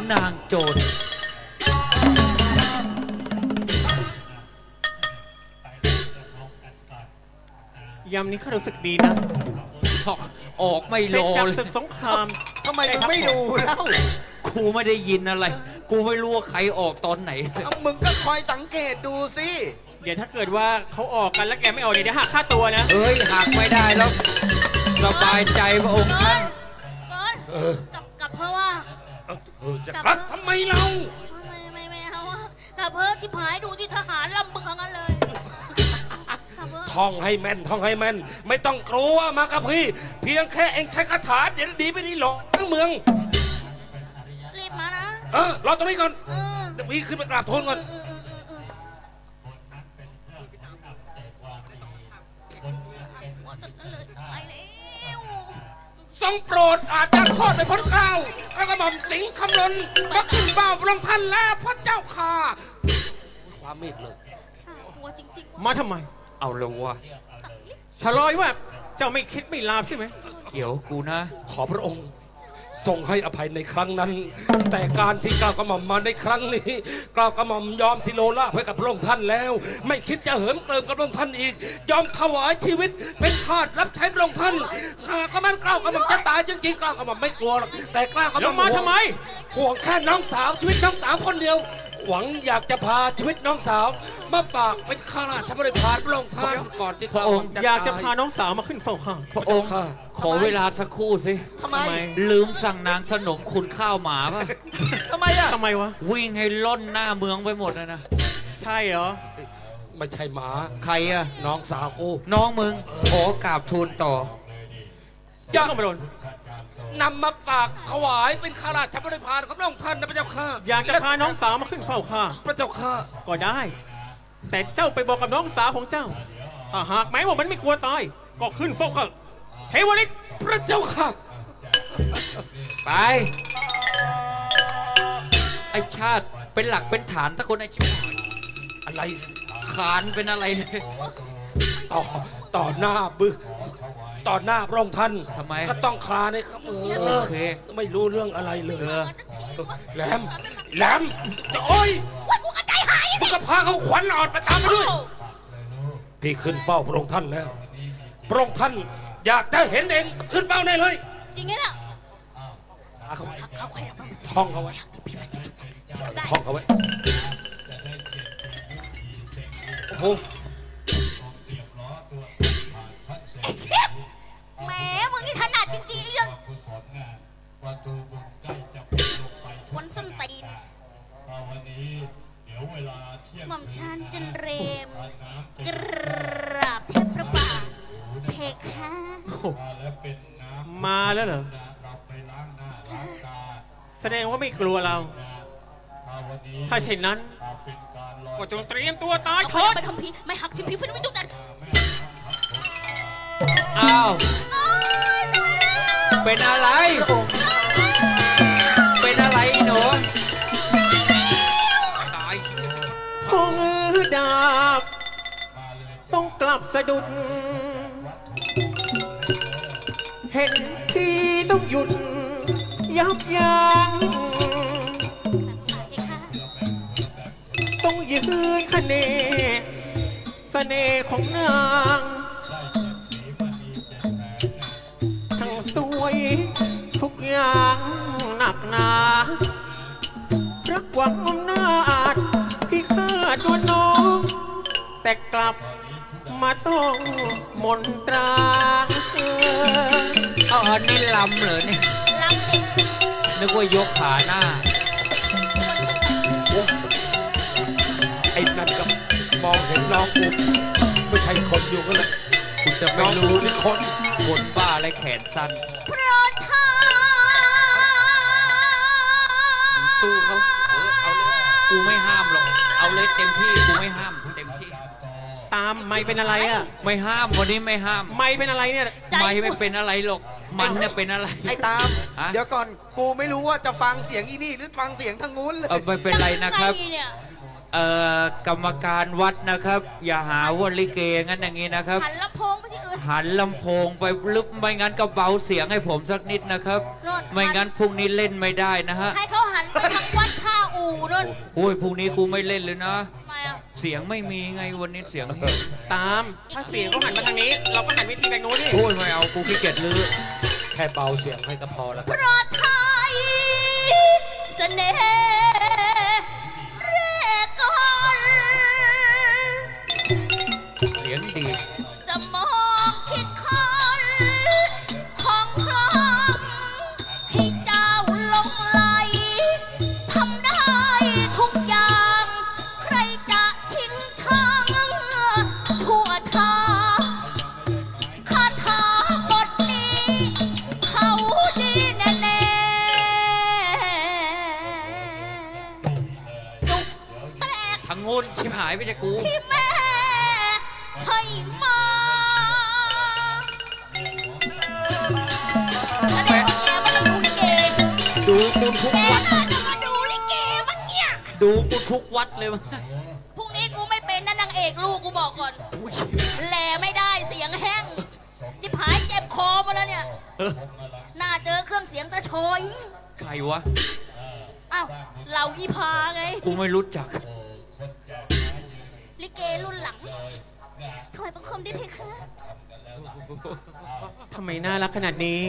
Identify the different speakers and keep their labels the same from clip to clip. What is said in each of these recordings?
Speaker 1: นางโจร
Speaker 2: ยามนี้ข้ารู้สึกดีนะ
Speaker 1: ออกไม่
Speaker 2: เสร็
Speaker 1: ร
Speaker 2: จ
Speaker 1: อ
Speaker 2: จาก
Speaker 1: เลย
Speaker 2: ศึกสงคราม
Speaker 3: ทำไมมึงไม่ดูแล้ว
Speaker 1: กูไม่ได้ยินอะไร กูไม่รู้ว่าใครออกตอนไหน
Speaker 3: เอามึงก็คอยสังเกตดูสิ
Speaker 2: เดี๋ยวถ้าเกิดว่าเขาออกกันแล้วแกไม่ออกเดี๋ยวหักค่าตัวนะ
Speaker 1: เอ้ยหักไม่ได้แล้วสบายใจพระองค์ท่าน
Speaker 4: กลับเพราะว่า
Speaker 5: จะกลับทำไมเรา
Speaker 4: ไม่เอาอะกลับเพราะที่ผายดูที่ทหารลำบึกทั้งนั้นเลยกลับเพราะ
Speaker 5: ท่องให้แม่นท่องให้แม่น ไม่ต้องกลัวมากับพี่ เพียงแค่เองใช้คาถาเดี๋ยวดีไม่ดีหรอกทั้งเมือง
Speaker 4: รีบมานะ
Speaker 5: รอตรงนี้ก่อน
Speaker 4: เออ
Speaker 5: เดี๋ยวพี่ขึ้นไปกราบทูลก่อน
Speaker 4: ไปแล้ว
Speaker 5: ทรงโปรดอาจจะทอดไปพ้นเกล้าแล้วก็หม่อมสิงห์คำลนมาขึ้นเฝ้าพระองค์ท่านแล้วพระเจ้าค่ะ ความเมตเลย
Speaker 4: หัวจริงๆ
Speaker 2: มาทำไม
Speaker 1: เอาละวะ
Speaker 2: ชะลอยว่าเจ้าไม่คิดไม่ลาบใช่ไหม
Speaker 1: เกี่ยวกูนะ
Speaker 5: ขอพระองค์ทรงให้อภัยในครั้งนั้น แต่การที่กล้าวกระหม่อมมาในครั้งนี้กล้าวกระหม่อมยอมสิโลลาภให้กับพระองค์ท่านแล้ว ไม่คิดจะเหิมเกริมกับพระองค์ท่านอีก ยอมถวายชีวิตเป็นทาสรับใช้พระองค์ท่านหากก็มันกล้าวกระหม่อมจะตายจริงๆกล้าวกระหม่อมไม่กลัวหรอกแต่กล้าวกระห
Speaker 2: แล้
Speaker 5: ม่อ
Speaker 2: ว
Speaker 5: ม
Speaker 2: มาทำไม
Speaker 5: ห่วงแค่น้องสาวชีวิตน้องสาวคนเดียว หวังอยากจะพาชีวิตน้องสาวมาฝากเป็นข้าราชบริพารพระองค์ท่านก่อนที่
Speaker 1: พระองค์
Speaker 2: อยากจะพาน้องสาวมาขึ้นเฝ้าข้า
Speaker 1: พระองค์ขอเวลาสักครู่สิ
Speaker 3: ทำไม
Speaker 2: ทำไม
Speaker 1: ลืมสั่งนางสนมคุณข้าวหมาป่ะ
Speaker 3: ทำไมอ่ะ
Speaker 2: ทำไมวะ
Speaker 1: วิ่งให้ล่อนหน้าเมืองไปหมดเลยนะ
Speaker 2: ใช่เหรอ
Speaker 5: ไม่ใช่หมา
Speaker 1: ใครอะ
Speaker 5: น้องสาวกู
Speaker 1: น้องมึงขอกราบทูลต่อ
Speaker 2: อย่าเข้ามาโดน
Speaker 5: นำมาฝากถวายเป็นข้าราชบริพารของพระองค์ท่านนะพระเจ้าค่ะ
Speaker 2: อยากจะพาน้องสาวมาขึ้นเฝ้าข้า
Speaker 5: พระเจ้าค่ะ
Speaker 2: ก็ได้ แต่เจ้าไปบอกกับน้องสาวของเจ้า ถ้าหากแม้ว่ามันไม่กลัวตาย ก็ขึ้นเฝ้าข้าเทวฤทธิ์
Speaker 5: พระเจ้าค่ะ
Speaker 1: ไป ไอชาติเป็นหลักเป็นฐานตะคนไอชิบหาย
Speaker 5: อะไร
Speaker 1: ขานเป็นอะไรเลย
Speaker 5: ต่อหน้าต่อหน้าพระองค์ท่าน
Speaker 1: ทำไม
Speaker 5: ก็ต้องคลานในครับ
Speaker 1: โอเค
Speaker 5: ไม่รู้เรื่องอะไรเลย
Speaker 1: เออ
Speaker 5: แหลมแหลมจะโอ้ย
Speaker 4: ว่ากูกระจายหาย
Speaker 5: มึงก็พาเขาขวัญอ่อนไปตามมาด้วย พี่ขึ้นเฝ้าพระองค์ท่านแล้ว พระองค์ท่านอยากจะเห็นเองขึ้นเฝ้าได้เลย
Speaker 4: จริงไงเนี่ย
Speaker 5: เอาเขา
Speaker 4: เขาใครเอามา
Speaker 5: ท่องเขาไว้ท่องเขาไว้โอ้โห
Speaker 4: แหมมึงนี่ถนัดจริงๆเรื่องวันส้นตีนหม่อมชันจันเรมกราบเทพพระบาทเพคะ
Speaker 2: มาแล้วเหรอ แสดงว่าไม่กลัวเรา ถ้าเช่นนั้น ก็จงเตรียมตัวตาย
Speaker 4: เขา
Speaker 2: เถิด
Speaker 4: ไปทำพีไม่หักที่พีฟื้นไม่จุกนั้น
Speaker 1: อ้าว
Speaker 4: โอ๊ยตายแล้ว
Speaker 1: เป็นอะไร เป็นอะไรหนูตาย
Speaker 2: พงดาบ ต้องกลับสะดุด เห็นที่ต้องหยุด ยับยั้ง
Speaker 4: เพคะ
Speaker 2: ต้องยืนคะเนเสน่ห์ของนางทั้งสวยทุกอย่างหนักหนารักหวังอำนาจพี่ข้าตัวน้อง แต่กลับมาต้องมนตรา
Speaker 1: เอาอันนี้ลำเหรอเนี่ย
Speaker 4: ลำติด
Speaker 1: นึกว่ายกขาหน้า
Speaker 5: ไอ้นั่นก็มองเห็นน้องกูไม่ใช่คนอยู่กันเลย
Speaker 1: คุณจะไม่
Speaker 5: น้อง
Speaker 1: รู้
Speaker 5: กูนี่คน
Speaker 1: คนบ้าอะไรแขนสั้น
Speaker 4: โปรดทาน
Speaker 1: สู้เขากูไม่ห้ามหรอก เอาเลยเต็มที่ กูไม่ห้ามเต็มที่
Speaker 2: ตามไม่เป็นอะไรอ่ะ
Speaker 1: ไม่ห้ามวันนี้ไม่ห้าม
Speaker 2: ไม่เป็นอะไรเนี่ย
Speaker 1: ไม่เป็นอะไรหรอก มันเนี่ยเป็นอะไร
Speaker 3: ไอ้ตาม
Speaker 1: ฮะ
Speaker 3: เดี๋ยวก่อน กูไม่รู้ว่าจะฟังเสียงอีนี่หรือฟังเสียงทางนู้นเลย
Speaker 1: ไม่เป็นไรนะครับ
Speaker 4: ยังไงเนี่ย
Speaker 1: กรรมการวัดนะครับ อย่าหาว่าลิเกงั้นอย่างนี้นะครับ
Speaker 4: หันลำโพงไปที่อื่น
Speaker 1: หันลำโพงไปลึกไม่งั้นก็เบาเสียงให้ผมสักนิดนะครับ
Speaker 4: โน่น
Speaker 1: ไม่งั้นพรุ่งนี้เล่นไม่ได้นะฮะ
Speaker 4: ให้เขาหันไปทางวัดท่าอู่นั่น
Speaker 1: โอ้ยพรุ่งนี้กูไม่เล่นเลยนะ
Speaker 4: ทำไมอ่ะ
Speaker 1: เสียงไม่มีไงวันนี้เสียงเฮ้ย
Speaker 2: ตาม ถ้าเสียงเขาหันมาทางนี้ เราก็หันวิธีไปนู้นนี่
Speaker 1: โอ้ยไม่เอากูขี้เกียจลือ
Speaker 5: แค่เบาเสียงให้ก็พอแล้วค
Speaker 4: เพ
Speaker 5: รับ
Speaker 4: ราะไทยเสน่ห์แรกก่อน
Speaker 1: เสียงดี
Speaker 4: สมองคิดคนของครองให้เจ้าหลงไหลทำได้ทุกอย่าง ใครจะทิ้งทางทั่วทางคาถาบทนี้ เขาดีแน่ๆจุกแตก
Speaker 1: ทางงูนชิบหายไปจากกู
Speaker 4: ที่แม่ให้มาแสดงว่าแกมาดูลิเก
Speaker 1: ดูกูทุก
Speaker 4: แก
Speaker 1: วัด
Speaker 4: น่าจะมาดูลิเกมั้งเนี่ย
Speaker 1: ดูกูทุกวัดเลยมั้ง
Speaker 4: พรุ่งนี้กูไม่เป็นนะนางเอกลูกกูบอกก่อน
Speaker 1: อุ้ย
Speaker 4: แหลไม่ได้เสียงแห้งจิบหายเจ็บคอมาแล้วเนี่ย
Speaker 1: เออ
Speaker 4: น่าเจอเครื่องเสียงตะโชย
Speaker 1: ใครวะ
Speaker 4: อ้าวเราอีพาไง
Speaker 1: กูไม่รู้จัก
Speaker 4: ลิเกรุ่นหลังถวายบังคมได้เพคะ
Speaker 2: ทำไมน่ารักขนาดนี้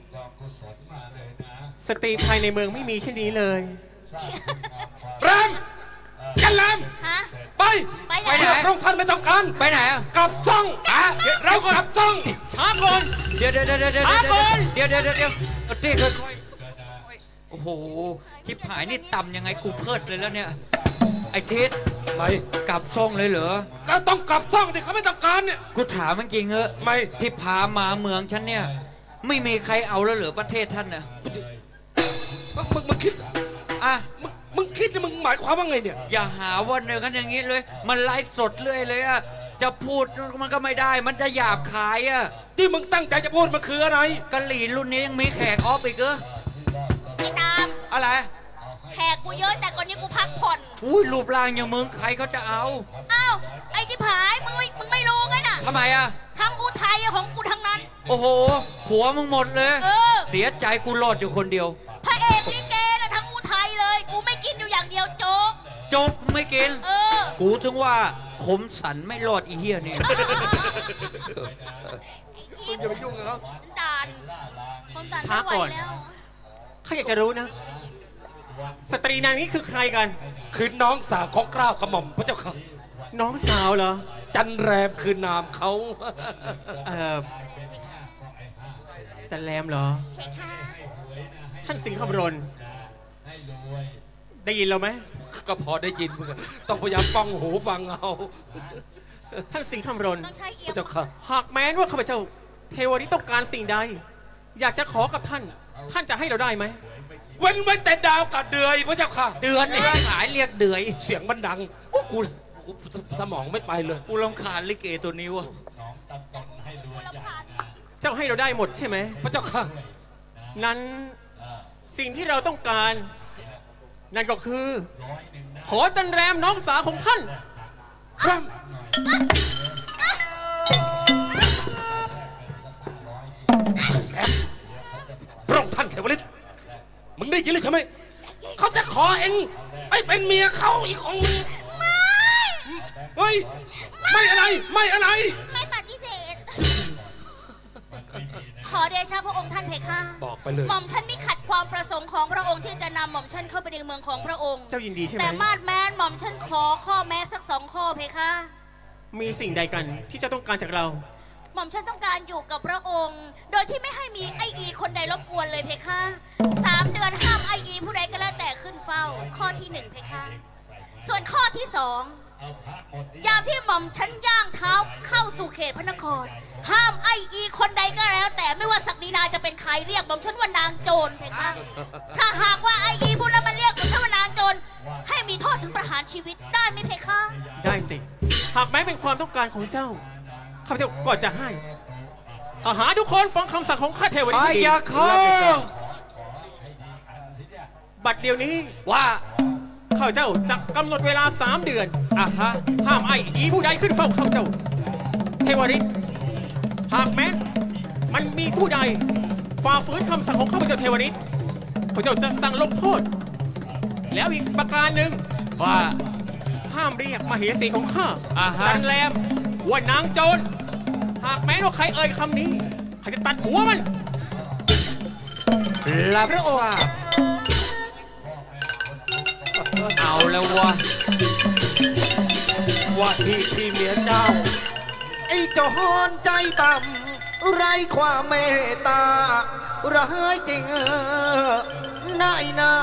Speaker 2: สตรีภายในเมืองไม่มีเช่นนี้เลย
Speaker 5: แรมกันแรม
Speaker 4: ฮะ
Speaker 5: ไป
Speaker 4: ไปไหน
Speaker 5: ไปไหนพระองค์ท่านไม่ต้องการ
Speaker 1: ไปไหนอ่ะ
Speaker 5: กลับซ่องเรากลับซ่อง
Speaker 2: ช้าก่อน
Speaker 1: เดี๋ยวเดี๋ยวเดี๋ยวเดี๋ยว
Speaker 2: ช้าก่อน
Speaker 1: เดี๋ยวเดี๋ยวเดี๋ยวเดี๋ยวเต้ค่อยๆโอ้โหชิบหายนี่ต่ำยังไงกูเพิดเลยแล้วเนี่ย ไอ้ทิศ
Speaker 5: ไม่
Speaker 1: กลับซ่องเลยเหรอ
Speaker 5: ก็ต้องกลับซ่องที่เขาไม่ต้องการเนี่ย
Speaker 1: กูถามมันจริงเหอะ
Speaker 5: ไม่
Speaker 1: ที่พามาเมืองฉันเนี่ย ไม่มีใครเอาแล้วเหรอประเทศท่านน่ะ
Speaker 5: มึงคิด
Speaker 1: อ่ะ
Speaker 5: มึงคิดนี่มึงหมายความว่าไงเนี่ย
Speaker 1: อย่าหาว่าเนื้อกันอย่างนี้เลย มันไลฟ์สดเรื่อยเลยอะจะพูดมันก็ไม่ได้ มันจะหยาบคายอะ
Speaker 5: ที่มึงตั้งใจจะพูดมันคืออะไร
Speaker 1: กะหรี่รุ่นนี้ยังมีแขกออฟอีกเหรอ
Speaker 4: ไอ้ตาม
Speaker 1: อะไร
Speaker 4: แขกกูเยอะแต่ก่อนนี้กูพักผ่อน
Speaker 1: อุ้ยรูปร่างอย่างมึงใครเขาจะเอา
Speaker 4: อ้าวไอ้ที่ผายมึงไม่รู้ไงน่ะ
Speaker 1: ทำไมอะ
Speaker 4: ทั้งกูไทยของกูทั้งนั้น
Speaker 1: โอ้โหผัวมึงหมดเลย
Speaker 4: เออ
Speaker 1: เสียใจกูรอดอยู่คนเดียว
Speaker 4: พระเอกลิเกนะทั้งกูไทยเลย กูไม่กินอยู่อย่างเดียวโจ๊ก
Speaker 1: จบไม่กิน
Speaker 4: เออ
Speaker 1: กูถึงว่าขมสันไม่รอดอีเหี้ยนี่
Speaker 3: มึงอย่าไปยุ่งกับเขา
Speaker 4: ด่านผมด่าน
Speaker 2: ช้า
Speaker 4: ไม่ไหว
Speaker 2: ก่อน
Speaker 4: แล้ว
Speaker 2: ข้าอยากจะรู้นะ สตรีนางนี้คือใครกัน
Speaker 5: คือน้องสาวของเกล้ากระหม่อมพระเจ้าค่ะ
Speaker 2: น้องสาวเหรอ
Speaker 5: จันแรมคือนามเขา
Speaker 2: เอ่อ จันแรมเหรอ
Speaker 4: เพคะ
Speaker 2: ท่านสิงห์คำรณ ได้ยินเราไหม
Speaker 5: ก็พอได้ยินมึงอะต้องพยายามป้องหูฟังเอา
Speaker 2: ท่านสิงห์คำรณ
Speaker 4: ต้องใช้เอี
Speaker 5: พ
Speaker 4: ย
Speaker 5: ระเจ้าค่ะ
Speaker 2: หากแม้นว่าข้าพเจ้า เทวนี้ต้องการสิ่งใด อยากจะขอกับท่าน ท่านจะให้เราได้ไหม
Speaker 5: เว้นไว้แต่ดาวกับเดือยพระเจ้าค่ะ
Speaker 1: เดือนนี่ขายเรียกเดือย
Speaker 5: เสียงมันดังโอ้กูสมองไม่ไปเลย
Speaker 1: กูรำคาญลิเกตัวนี้วะ
Speaker 4: กูรำคาญ
Speaker 2: เจ้าให้เราได้หมดใช่ไหม
Speaker 5: พระเจ้าค่ะ
Speaker 2: นั้นสิ่งที่เราต้องการ นั่นก็คือ ขอจันแรมน้องสาวของท่าน
Speaker 5: ครับพระองค์ท่านเทวฤทธิ์มึงได้ยินเลยใช่ไหม เขาจะขอเองไปเป็นเมียเขาอีกองค์หนึ่งเฮ้ย ไม่อะไร ไม่อะไร
Speaker 4: ไม่ปฏิเสธ ขอเดชะพระองค์ท่านเพคะ
Speaker 5: บอกไปเลย
Speaker 4: หม่อมฉันมิขัดความประสงค์ของพระองค์ที่จะนำหม่อมฉันเข้าไปในเมืองของพระองค์
Speaker 2: เจ้ายินดีใช่ไหม
Speaker 4: แต่มาดแมนหม่อมฉันขอข้อแม้สัก2 ข้อเพคะ
Speaker 2: มีสิ่งใดกันที่เจ้าต้องการจากเรา
Speaker 4: หม่อมฉันต้องการอยู่กับพระองค์ โดยที่ไม่ให้มีไออีคนใดรบกวนเลยเพคะ3 เดือนห้ามไออีผู้ใดก็แล้วแต่ขึ้นเฝ้า ข้อที่1เพคะ ส่วนข้อที่ 2 ยามที่หม่อมฉันย่างเท้าเข้าสู่เขตพระนคร ห้ามไออีคนใดก็แล้ว แต่ไม่ว่าศักดินาจะเป็นใครเรียกหม่อมฉันว่านางโจรเพคะ ถ้าหากว่าไออีผู้นั้นมันเรียกหม่อมฉันว่านางโจร ให้มีโทษถึงประหารชีวิตได้ไหมเพคะ
Speaker 2: ได้สิ หากแม้เป็นความต้องการของเจ้า ข้าพเจ้าก็จะให้ทหารทุกคนฟังคำสั่งของข้าเทวดา
Speaker 1: ไอ้ยาคอ
Speaker 2: บัดเดี๋ยวนี้
Speaker 1: ว่า
Speaker 2: ข้าพเจ้าจะกำหนดเวลา3 เดือน
Speaker 1: อ่ะฮะ
Speaker 2: ห้ามไอ้อีผู้ใดขึ้นเฝ้าข้าพเจ้า เทวริตหากแม้นมันมีผู้ใดฝ่าฝืนคำสั่งของข้าพเจ้าเทวริตข้าพเจ้าจะสั่งลงโทษแล้วอีกประการหนึ่ง
Speaker 1: ว่า
Speaker 2: ห้ามเรียกมเหสีของข้า
Speaker 1: อ่าฮะ
Speaker 2: จันแรมว่านางโจร หากแม้ว่าใครเอ่ยคำนี้ข้าจะตัดหัวมัน
Speaker 1: รับทราบเอาแล้ววะ
Speaker 5: ว่าที่เมียเจ้า
Speaker 3: ไอ้โจรใจต่ำไรความเมตตาร้ายจริงนายนา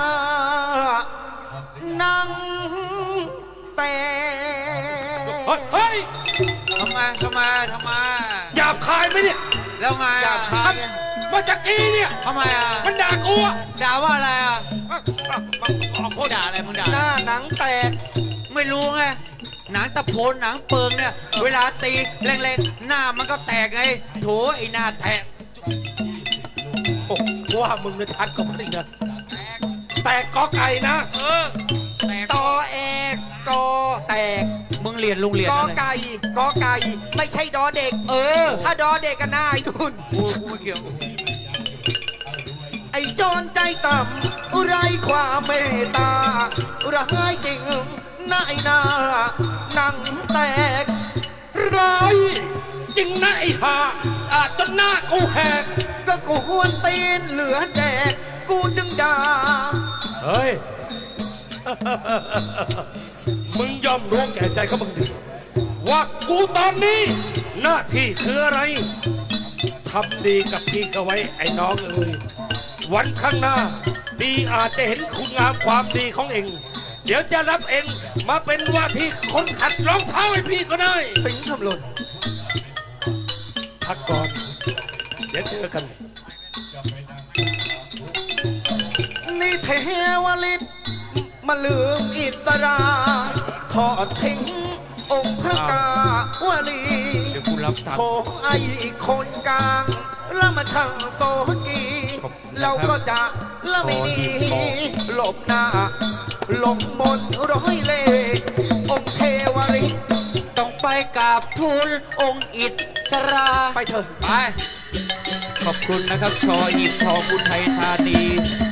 Speaker 3: นังแต่
Speaker 5: เฮ้ย
Speaker 6: ทำไม
Speaker 5: หยาบคายไหมเนี่ย
Speaker 6: แล้วไง
Speaker 3: อยา
Speaker 6: อ่ะ
Speaker 3: กคาย
Speaker 5: เมื่อกี้เนี่ย
Speaker 6: ทำไมอ่ะ
Speaker 5: มันด่ากูอะ
Speaker 6: ด่าว่าอะไรอ่ะ
Speaker 1: มึงด่าอะไรมึงด่า
Speaker 3: หน้าหนังแตก
Speaker 1: ไม่รู้ไง หนังตะโพนหนังเปิงเนี่ย เวลาตีแรงๆ หน้ามันก็แตกไง โถไอ้หน้าแตก
Speaker 5: โอ้ว่ามึงเนี่ยชัดกว่ามันอีกนะแตกกอไก่นะ
Speaker 1: แตก
Speaker 3: ตอแอกกอแตก
Speaker 1: มึงเรียนโรงเรียน
Speaker 3: กอ
Speaker 1: อะไร
Speaker 3: ไก่กอไก่ ไม่ใช่ดอเด็ก
Speaker 1: เออ
Speaker 3: ถ้าดอเด็กก็น่าไอ้นุ่น
Speaker 1: กูไม่เกี่ยว
Speaker 3: ไอ้โจรใจต่ำไรความเมตตาร้ายจริงนายนาหนังแตก
Speaker 5: ร้ายจริงนะไอ้ห่าอาจจนหน้ากูแหก
Speaker 3: ก็กูหวนตีนเหลือแดก กูจึงด่า
Speaker 5: เฮ้ย มึงยอมรู้แก่ใจเขามึงดิว่ากูตอนนี้ หน้าที่คืออะไรทำดีกับพี่เขาไว้ไอ้น้องเอ้ยวันข้างหน้าพี่อาจจะเห็นคุณงามความดีของเอง เดี๋ยวจะรับเองมาเป็นว่าที่คนขัดรองเท้าให้พี่ก็ได้
Speaker 3: สิงห์ทำหล่น
Speaker 5: พักก่อน เดี๋ยวเจอกัน
Speaker 3: นี่เทวฤทธิ์มาลืมอิสราทอดทิ้งองค์พระกาวลี
Speaker 1: เดี๋ยวกูรับตัง
Speaker 3: โถ
Speaker 1: ค์
Speaker 3: ไอ้คนกลางแล้วมาช่างโซกีเราก็จะละไม่หนีหลบหน้าหลงมนต์ร้อยเล่ห์องค์เทวฤทธิ์
Speaker 1: ต้องไปกราบทูลองค์อิสรา
Speaker 3: ไปเถอะ
Speaker 1: ไป ขอบคุณนะครับ ชอหีบทองอุทัยธานี